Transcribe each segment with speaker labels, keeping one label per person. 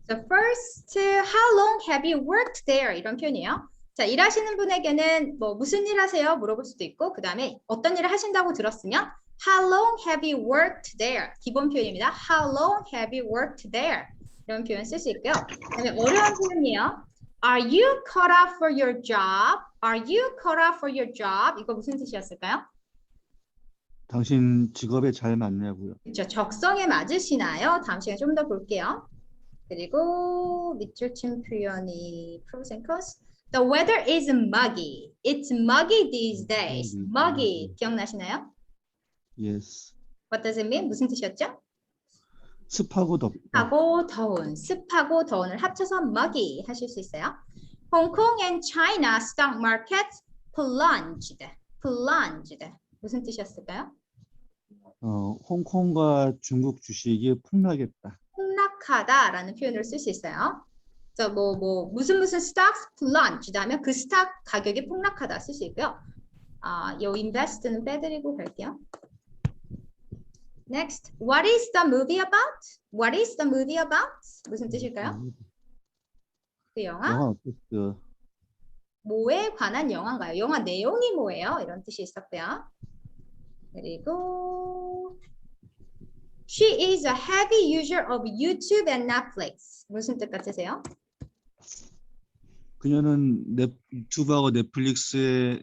Speaker 1: The first, how long have you worked there? 이런 표현이에요. 자, 일하시는 분에게는 뭐 무슨 일 하세요? 물어볼 수도 있고, 그 다음에 어떤 일을 하신다고 들었으면 How long have you worked there? 기본 표현입니다. How long have you worked there? 이런 표현 쓸 수 있고요. 그다음에 어려운 표현이에요. Are you cut out for your job? Are you cut out for your job? 이거 무슨 뜻이었을까요?
Speaker 2: 당신 직업에 잘 맞냐고요.
Speaker 1: 그렇죠. 적성에 맞으시나요? 다음 시간에 좀 더 볼게요. 그리고 밑줄 친 표현이 pros and cons. The weather is muggy. It's muggy these days. Muggy 기억나시나요?
Speaker 2: Yes.
Speaker 1: What does it mean? 무슨 뜻이었죠?
Speaker 2: 습하고 덥다.
Speaker 1: 습하고 더운, 습하고 더운을 합쳐서 muggy 하실 수 있어요. Hong Kong and China stock markets plunged. plunged. 무슨 뜻이었을까요?
Speaker 2: 홍콩과 중국 주식이 폭락했다.
Speaker 1: 폭락하다라는 표현을 쓸 수 있어요. 그래서 무슨 stocks plunged 하면 그 스탁 가격이 폭락하다 쓸 수 있고요. 요 invest는 빼드리고 갈게요. Next, what is the movie about? What is the movie about? 무슨 뜻일까요? 그 영화?
Speaker 2: 영화 어땠어?
Speaker 1: 뭐에 관한 영화인가요? 영화 내용이 뭐예요? 이런 뜻이 있었고요. 그리고 She is a heavy user of YouTube and Netflix. 무슨 뜻 같으세요?
Speaker 2: 그녀는 유튜브하고 넷플릭스에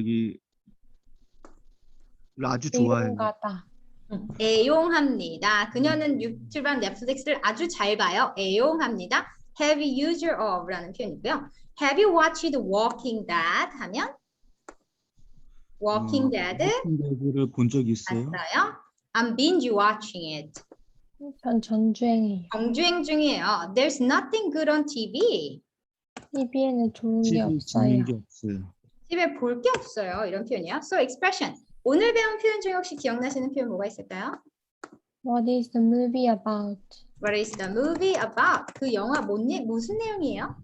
Speaker 2: 아주 좋아해요.
Speaker 3: 애용가다.
Speaker 1: 애용합니다. 그녀는 유튜브랑 넷플릭스를 아주 잘 봐요. 애용합니다. Heavy user of라는 표현이고요. Have you watched Walking Dead? 하면 Walking Dead
Speaker 2: 를 본 적 있어요?
Speaker 1: 봤어요? I'm binge watching it.
Speaker 3: 전 전주행이에요.
Speaker 1: 정주행 중이에요. There's nothing good on TV.
Speaker 3: TV에는 좋은 게
Speaker 2: 집에
Speaker 3: 없어요.
Speaker 2: 있는 게 없어요.
Speaker 1: 집에 볼 게 없어요. 이런 표현이요. So expression. 오늘 배운 표현 중에 혹시 기억나시는 표현 뭐가 있을까요?
Speaker 3: What is the movie about?
Speaker 1: What is the movie about? 그 영화 무슨 내용이에요?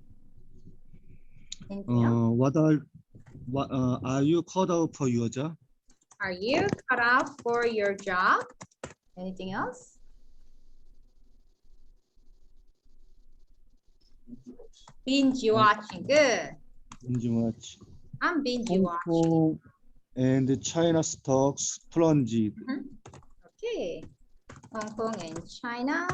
Speaker 1: anything else?
Speaker 2: Are you cut out for your job?
Speaker 1: Are you cut out for your job? Anything else? Binge watching. Good.
Speaker 2: Binge watch.
Speaker 1: I'm binge
Speaker 2: Hong
Speaker 1: watching.
Speaker 2: Kong and China stocks plunged.
Speaker 1: Okay. Hong Kong and China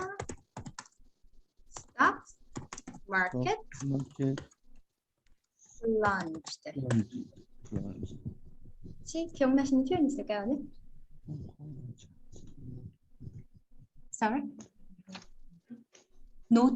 Speaker 1: stocks market
Speaker 2: Market
Speaker 1: plunged.
Speaker 2: plunged.
Speaker 1: 혹시 기억나시는 표현 있을까요? 오늘? Sorry? Note.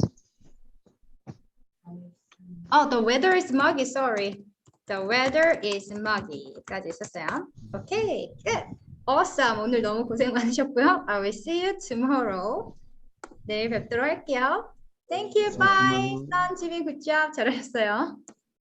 Speaker 1: Oh, the weather is muggy. Sorry. The weather is muggy. 까지 있었어요. Okay, good. Awesome. 오늘 너무 고생 많으셨고요. I will see you tomorrow. 내일 뵙도록 할게요. Thank you. Bye. 선 지민 굿잡 잘하셨어요.